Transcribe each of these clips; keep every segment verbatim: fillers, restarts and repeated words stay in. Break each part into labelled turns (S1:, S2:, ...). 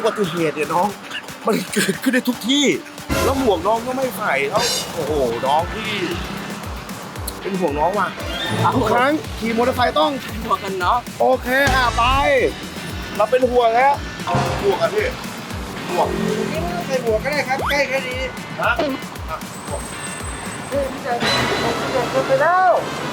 S1: อุบัติเหตุเนี่ยน้องมันเกิดขึ้นได้ทุกที่แล้วหมวกน้องก็ไม่ใส่แล้วโอ้โหน้องพี่เป็นห่วงน้องว่ะทุกครั้งขี่มอเตอร์ไซค์ต้อง
S2: หมวกกันน็อก
S1: โอเคอ่ะไปเราเป็นห่วงแล้วห่วงอ่ะพี่ห่วง
S2: ไม่ต้องใส่หมวกก็ได้ครับใกล้แค่นี้
S1: ฮะอ่ะห่วงเฮ้ยพี่ใจพี่ใจเกินไปแล้ว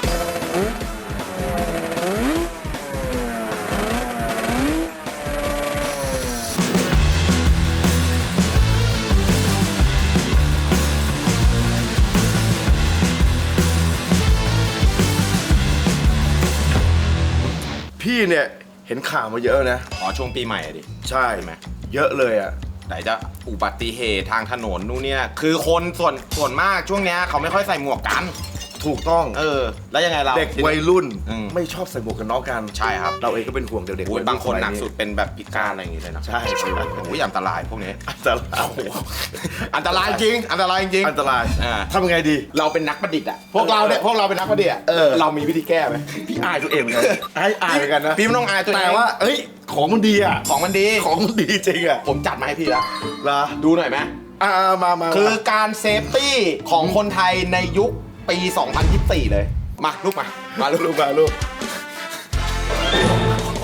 S1: พี่เนี่ยเห็นข่าวมาเยอะนะ
S3: อ๋อช่วงปีใหม่อะดิ
S1: ใช่
S3: ใช่ไหม
S1: เยอะเลยอ่ะ
S3: ไหนจะอุบัติเหตุทางถนนนู่นเนี่ยคือคนส่วนส่วนมากช่วงเนี้ยเขาไม่ค่อยใส่หมวกกัน
S1: ถูกต้อง
S3: เออ แล้วยังไงเรา
S1: เด็กวัยรุ่น
S3: อืม
S1: ไม่ชอบใส่หมวกกันน็อกกัน
S3: ใช่ครับ
S1: เราเองก็เป็นห่วงเด็กๆ
S3: โอ้ย
S1: วัยรุ่
S3: บางคน
S1: สมัย
S3: หนักสุดเป็นแบบพิการอะไรอย่างงี้เลยนะ
S1: ใช่ใช่
S3: โอ้ยอันตรายพวกนี้
S1: อันตราย
S3: โอ้โหอันตรายจริง อันตรายจริง
S1: อันตราย
S3: อ่า
S1: ทำยังไงดี
S3: เราเป็นนักประดิษฐ์อะพวกเราเนี่ยพวกเราเป็นนักประดิษฐ์อะ
S1: เออ
S3: เรามีวิธีแก้ไหม
S1: พี่อายตัวเองเหมือนกันอายอายเหมือนกันนะ
S3: พี่ไม่ต้องอายตัวเอง
S1: แต่ว่าเอ้ยของมันดีอ่ะ
S3: ของมันดี
S1: ของมันดีจริงอ่ะ
S3: ผมจัดมาให้พี่แล้ว
S1: เหรอ
S3: ดูหน่อยไหม
S1: อ่ามามา
S3: คือการเซฟตี้ของคนไทยในยุคปี สองพันยี่สิบสี่ เลย มาลูกมา มาลูก
S1: ลูกมาลูกโอ้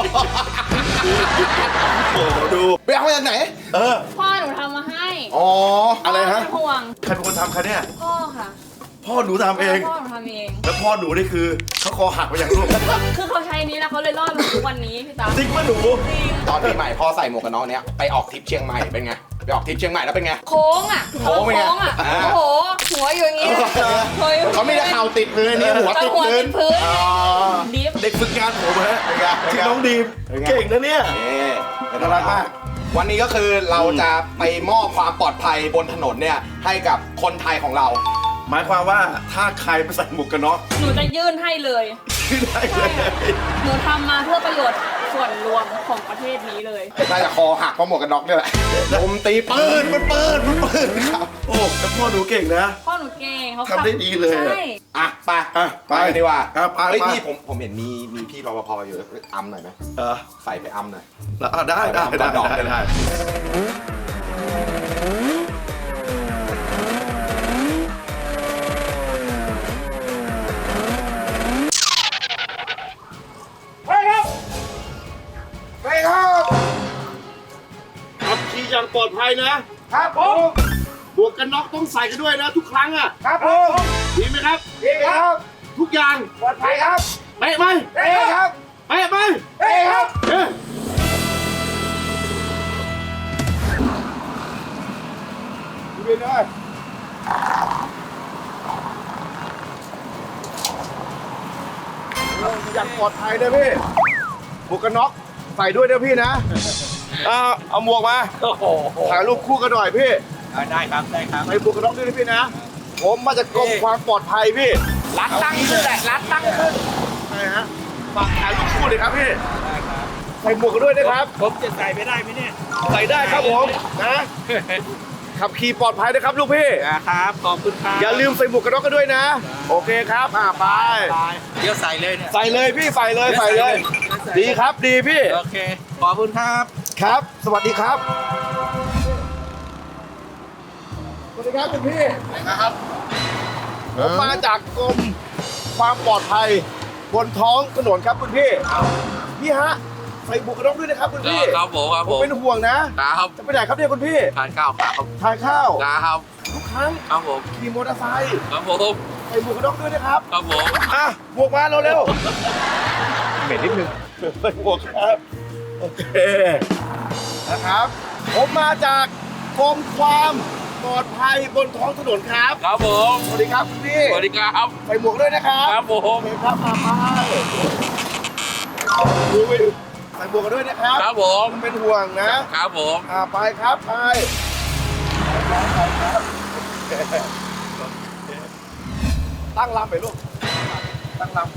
S1: โหดู
S3: ไปเอามาจากไหน
S1: เออ
S4: พ่อหนูทำมาให้
S1: อ๋ออะไรฮะ
S4: พ่เป็นห่วง
S1: ใครเป็นคนทำคะเนี่ย
S4: พ่อค่ะ
S1: พ่อหนูทำเอง
S4: พ่อหนูทำเอง
S1: แล้วพ่อหนูนี่คือเขาคอหักไปอย่างลูก
S4: คือเขาใช้นี้แล้วเขาเลยรอดมาทุกวันนี้พี่ตา
S1: จริงป่ะหนู
S4: จริง
S3: ตอนปีใหม่พ่อใส่หมวกกันน็อกเนี้ยไปออกทริปเชียงใหม่เป็นไง ไปออกทริปเชียงใหม่แล้วเป็นไง
S4: โค้งอ่ะ
S3: โค้งเป็นไง
S4: โค้งอ่ะ
S3: อ่า
S4: โอ้โห หัวอยู่อย่างงี้หัวอยู่
S3: เขาไม่ได้เข่าติดพื้นนี่หัวติด
S4: หัว
S3: พื้
S4: ติ
S3: น
S4: ดพื้น
S3: อ๋อ
S4: ดิฟ
S1: เด็กฝึกงานผมฮะ
S3: เป็นไงเป็นไง
S1: ชื่อน้องดีม
S3: เป็นไง
S1: เก่งนะเนี่ย
S3: นี่
S1: น่ารักมาก
S3: วันนี้ก็คือเราจะไปมอบความปลอดภัยบนถนนเนี่ยให้กับคนไทยของเรา
S1: หมายความว่าถ้าใครไปใส่หมวกกันน็อก
S4: หนูจะยื่นให้เลย
S1: ขึ้นได้เล
S4: ใช่
S1: ย
S4: ค่ะหนูทำมาเพื่อประโยชน์ส่วนรวมของประเทศนี้เลย
S3: น่าจะคอหักเพราะหมวกกันน็อกเนี่ยแหละผมตีปืนมันปืนมันปืนครับ
S1: โอ้แต่พ่อหนูเก่งนะ
S4: พ่อหนูเก่งเขา
S1: ทำได้ดีเลยอะ
S4: ใช่
S3: อ่ะไป
S1: อ่ะ
S3: ไปดีกว่า
S1: อ่ะไป
S3: เฮ้ย
S1: ไป
S3: พี่ผมผมเห็นมีมีพี่รปภอยู่อัมหน่อยไหม
S1: เออ
S3: ใส่ไปอัมหน่อย
S1: แล้วอ่ะได้ได้ได้
S3: ดอก
S1: ได้ได้ไปครับไปครับขับขี่อย่างปลอดภัยนะครับผมบวกกันน็อกต้องใส่กันด้วยนะทุกครั้งอ่ะครับผมดีไหมครับดีครับ ทุกอย่างปลอดภัยครับเป๊ะไหมเป๊ะครับเป๊ะไหมเป๊ะครับเอ๊ะดูดีเลยอย่างปลอดภัยนะพี่หมวกกันน็อกใส่ด้วยนะพี่นะเอาเอาหมวกมาถ่ายรูปคู่กันหน่อยพี่
S2: ได้ครับได้ครับ
S1: ใส่หมวกกันน็อกด้วยนะพี่นะ ผมมาจากกรมความปลอดภัยพี่
S2: รัดตั้งขึ้นแหละรัดตั้งขึ้น
S1: ใช่ฮะฝากถ่ายรูปคู่เลยครับพี่ใส่หมวกกันด้วยนะครับ
S2: ผมจะใส่ไปได้ไหมเนี่ย
S1: ใส่ได้ครับผมนะขับขี่ปลอดภัยนะครับลูกพี่
S2: ครับขอบคุณครับ
S1: อย่าลืมใส่หมวกกันน็อกกันด้วยนะ โอเคครับอ่าไป
S2: เดี๋ยวใส่เลยเนี่ย
S1: ใส่เลยพี่ใส่เลยใส่เลย ดีครับดีพี่
S2: โอเคขอบคุณครับ
S1: ครับ สวัสดีครับ สวัสดีครับคุณพี่นะครับผมมาจากกรมความปลอดภัยบนท้องถนนครับคุณพี่พี่ฮะใส่หมวกกันน็อกด้วยนะครับคุณพี่
S2: ครับผมครับ
S1: ผ
S2: ผม ม
S1: เป็นห่วงนะ
S2: ครับ
S1: จะไปไหนครับเนี่ยคุณพี่
S2: ทานข้าวครับ
S1: ทานข้าว
S2: ครับ
S1: ทุกครั้ง
S2: ครับผม
S1: ขี่มอเตอร์ไซค์
S2: ครับผม
S1: ใส่หมวกกันน็อกด้วยนะครับ
S2: ครับผม
S1: อ่ะหมวกมาเร็วๆเหม็นนิดนึงใส่หมวกครับ โอเค นะครับ ผมมาจากกรมความปลอดภัยบนท้องถนนครับ
S2: ครับผม
S1: สวัสดีครับคุณพี่
S2: สวัสดีครับ
S1: ใส่หมวกด้วยนะครับ
S2: ครับผม
S1: โอเคครับมาไปดูไปดูใส่หมวกกันด้วยนะครับ
S2: ครับผม
S1: ผมเป็นห่วงนะ
S2: ครับผม
S1: อ่าไปครับไปไปครับตั้งลำไปลูกตั้งลำ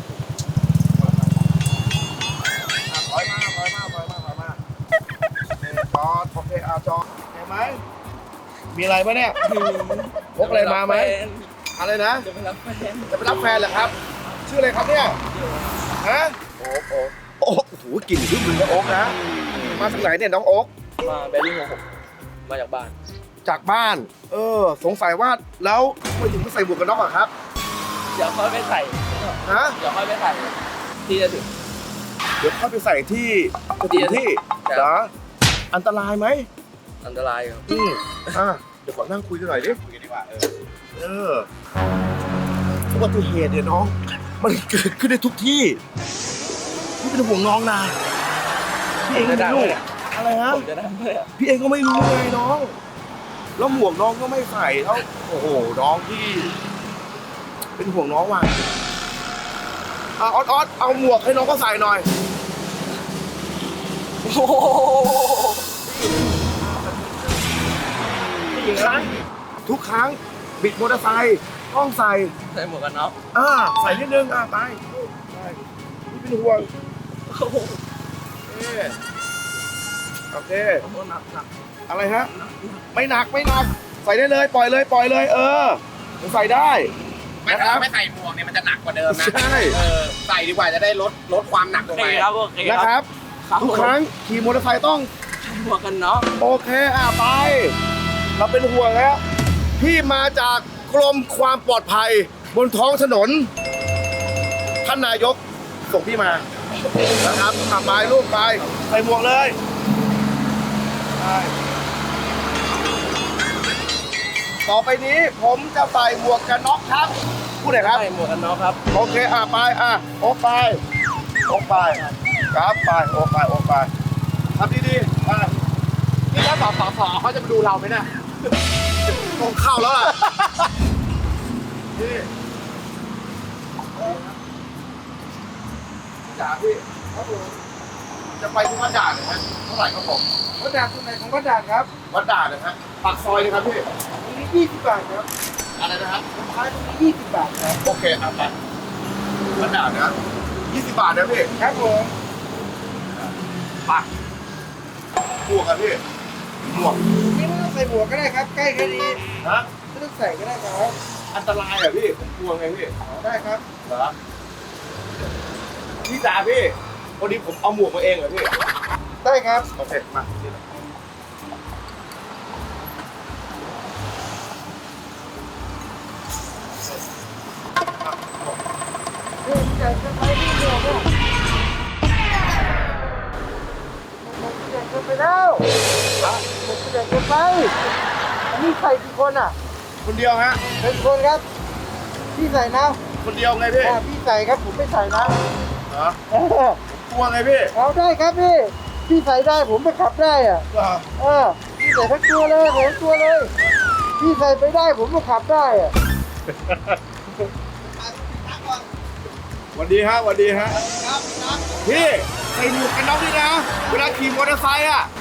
S1: อ่ะถอยมาถอยมาถอยมาถอยมาจอดโอเคเอาจอดเห็นไหมมีอะไรปะเนี่ยพกอะไรมาไหมอะไรนะ
S2: จะไปรับแฟน
S1: จะไปรับแฟนเหรอครับ ชื่ออะไรครับเนี่ยฮะโอ๊กโอ๊กโอ๊กโอ้โหกลิ่นชื่อมึงนะโอ๊กนะมาจากไหนเนี่ยน้องโอ๊ก
S2: มาแบริ่งของผมมาจากบ้าน
S1: จากบ้าน เออ สงสัยว่าแล้วทำไมถึงไม่ใส่หมวกกันน็อกอะครับ
S2: เดี๋ยวค่อยไปใส่
S1: ฮะ
S2: เดี๋ยวค่อยไปใส่ที่จะถึง
S1: เดี๋ยวเข้าไปใส่ที่จะถึงที่
S2: ครับ
S1: เหรออันตรายไหม
S2: อันตรายครับ
S1: อืมอ่ะเดี๋ยวขอนั่งคุยกันหน่อยดิคุยกันดีกว่าเออเอออุบัติเหตุเนี่ยน้อง มันเกิดขึ้นได้ทุกที่พี่เป็นห่วงน้องนะพี่เองไม่รู้อะไรฮะ
S2: ผมจะนั่งเพื่อ
S1: พี่เองก็ไม่รู้ไงน้อง แล้วหมวกน้องก็ไม่ใส่แล้วโอ้โหน้องพี่ เป็นห่วงน้องว่ะอ่ะออดออดเอาหมวกให้น้องก็ใส่หน่อยโอ้โหทุกครั้งทุกครั้งบิดมอเตอร์ไซค์ต้องใส่
S2: ใส่หมวกกันน็อก
S1: อ่าใส่นิดนึงอ่าไปใช่พี่เป็นห่วงโอ้โหเอ๊ะโอเค
S2: โอ้โหหนักหนัก
S1: อะไรฮะ ไม่หนักไม่หนัก ใส่ได้เลยปล่อยเลยปล่อยเลย เออมันใส่ได้
S5: ไม่
S1: นะค
S5: ถ้า
S1: รับ
S5: ไม่ใส่หมวกเนี่ยมันจะหนักกว่าเดิมนะ
S1: ใช่
S5: เออใส่ดีกว่าจะได้ลดลดความหนักล
S2: โอง เค
S5: ไป
S2: ครับโอเค
S1: นะ
S2: ค
S1: ค
S2: รั
S1: รั
S2: บบ ครับ
S1: ทุกครั้งขี่มอเตอร์ไซค์ต้อง
S2: หมวกกันน็อก
S1: โอเคอ่ะไป เราเป็นห่วงแล้วพี่มาจากกรมความปลอดภัย บนท้องถนน ท่านนายกส่งพี่มานะครับอ่ะไปลูกไปใส่หมวกเลยไปต่อไปนี้ผมจะใส่หมวกกันน็อกครับพูดหน่อยครับ
S2: ใส่หมวกกันน็อกครับ
S1: โอเค อ่ะ ไป อ่ะ โอ้ไป โอ้ไป ครับไป โอ้ไป โอ้ไปทำดีๆไป
S5: นี่ถ้าสอสอสอเขาจะมาดูเราไหมเนี่ย
S1: ต้องเข้าแล้วล่ะนี่จ่าพี่ครับผมจะไปที่วัดด่านนะฮะเท่าไหร่ครับผม
S6: วัดด่านตรงไหนของวัดด่านครับ
S1: วัดด่านนะฮะปากซอยนะครับพี่
S6: ตรงนี้ยี่สิบบาทครับ
S1: อะไรนะฮะ
S6: ผมขายตรงนี้ยี่สิบบาทครับ
S1: โอเคอ่ะไปวัดด่านนะยี่สิบบาทนะพี่
S6: ครับผม
S1: ไปหมวกอะพี่หมวก
S6: นี่ไม่ต้องใส่หมวกก็ได้ครับ ใกล้แค่นี้
S1: ฮะ
S6: ไม่ต้องใส่ก็ได้ครับ
S1: อันตรายอะพี่ ผมกลัวไงพี่
S6: อ๋อได้ครับ
S1: เหรอพี่จ๋าพี่พอดีผมเอาหมวกมาเองเหรอพี่
S6: ได้ครับ
S1: โอเค มา
S6: เฮ้ยอยากจะไปที่หมวกอ่ะผมอยากจะไปแล้วผมอยากจะไปอันนี้ใส่กี่คนอ่ะ
S1: คนเดียวฮะ
S6: เป็นคนครับ พี่ใส่นะ
S1: คนเดียวไงพี่
S6: อ่าพี่ใส่ครับผมไม่ใส่นะ
S1: เหรอ
S6: เออก
S1: ลัวไงพี่
S6: เอาได้ครับพี่ พี่ใส่ได้ผมไปขับได้อ่ะ
S1: เหรอ
S6: เออพี่ใส่ทั้งตัวเลยใส่ทั้งตัวเลย พี่ใส่ไปได้ผมก็ขับได้อะ
S1: สวัสดีฮะสวัสดีฮะพี่ใส่หมวกกันน็อกด้วยนะ เวลาขี่มอเตอร์ไซค์อ่ะ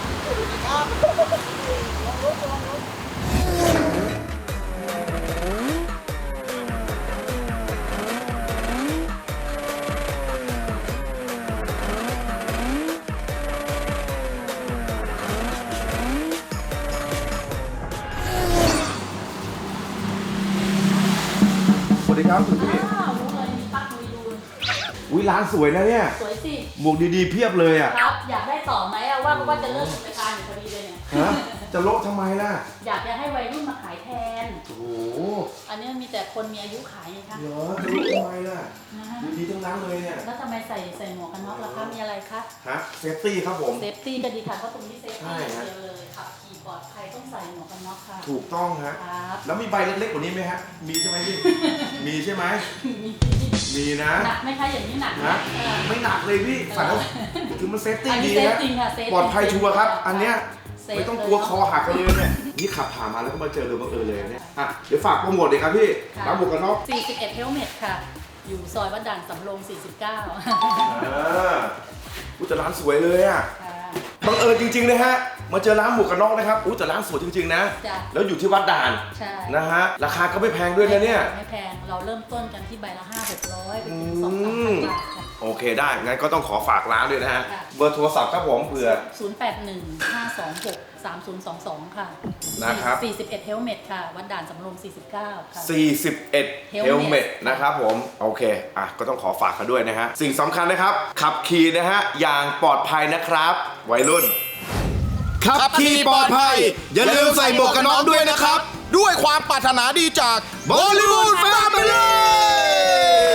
S1: สวัสดีครับคุณพี่
S4: อ้าวรู้เลยมีปักมือดู
S1: อุ้ยร้านสวยนะเนี่ย
S4: สวยสิ
S1: หมวกดีๆเพียบเลยอ่ะ
S4: ครับ อยากได้ต่อไหมอะว่าว่าจะเริ่มกิจการอยู่พอดีเลยเนี่ย
S1: ฮะ จะโละทำไมล่ะ
S4: อยากจะให้วัยรุ่นมาขายแทน
S1: โอ้โห
S4: อันนี้มีแต่คนมีอายุขายไงคะ
S1: เหรอจะโละทำไมล่ะ
S4: นะฮะ
S1: ดีๆทั้งนั้นเลยเนี่ย
S4: แล้วทำไมใส่ใส่หมวกกันน็อกล่ะคะมีอะไรคะ
S1: ฮะ เซฟตี้ครับผม
S4: เซฟตี้ก็ดีค่ะเพราะตรงนี้เซฟ
S1: ใช่
S4: ตี้
S1: ฮะ
S4: เดียวเลยขับขี่ปลอดภัยต้องใส่หมวกกันน็อกค่ะ
S1: ถูกต้องฮะ
S4: ครับ
S1: แล้วมีใบเล็กๆกว่านี้ไหมฮะ มีใช่ไหมพี่ มีใช่ไหม
S4: มี
S1: มีนะ
S4: หนักไหมคะอย่างนี้หนักไหม
S1: นะ
S4: เออ
S1: ไม่หนักเลยพี่ใส่แล้วคือมันเซฟตี้
S4: อันนี้
S1: ดี
S4: เซฟ
S1: นะ
S4: จริงค่ะเซฟ
S1: ปลอดภัยชัวร์ครับ อันเนี้ย
S4: เซฟ
S1: ไม่ต้องกลัวคอหักกันเลยเนี่ย นี่ขับผ่านมาแล้วก็มาเจอเลยบังเอิญเลยเนี่ย อ่ะ เดี๋ยวฝากโปรโมทเลยครับพี่
S4: ค่ะ
S1: ร้านหมวกกันน็อก
S4: สี่สิบเอ็ดเฮลเมตค่ะ อยู่ซอยวัดด่านสำโรงสี่สิบเก้า
S1: อ่าอุ้ยแต่ร้านสวยเลยอ่ะ
S4: ค่ะ
S1: บังเอิญจริงๆนะฮะ มาเจอร้านหมวกกันน็อกนะครับอุ้ยแต่ร้านสวยจริงๆนะ
S4: จ้ะ
S1: แล้วอยู่ที่วัดด่าน
S4: ใช่
S1: นะฮะ ราคาก็ไม่แพงด้วยนะเนี่ย
S4: ไม่แพง เราเริ่มต้นกันที่ใบละห้าหกร้อยไปถึง
S1: อื
S4: สองสามพั
S1: ม
S4: นบาทค่ะ
S1: โอเคได้ งั้นก็ต้องขอฝากร้านด้วยนะฮะ
S4: ค่ะ
S1: เบอร์โทรศัพท์ครับผมเผื่อ
S4: ศูนย์แปดหนึ่ง ห้าสองหก สามศูนย์สองสองค่ะ
S1: นะครับ
S4: สี่สิบเอ็ดเฮลเมตค่ะ วัดด่านสำโรงสี่สิบเก้าค่ะ
S1: สี่สิบเอ็ด
S4: Helmet
S1: เฮลเมตนะครับผม โอเค อ่ะ ก็ต้องขอฝากเขาด้วยนะฮะ สิ่งสำคัญนะครับ ขับขี่นะฮะ อย่างปลอดภัยนะครับ วัยรุ่น
S3: ขับขี่ปลอดภัย อย่าลืมใส่หมวกกันน็อกด้วยนะครับ ด้วยความปรารถนาดีจากบอลลีวูดแฟมิลี่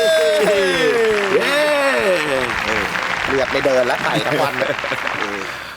S3: เลือดไม่เดินแล้วไต่ทั้งวัน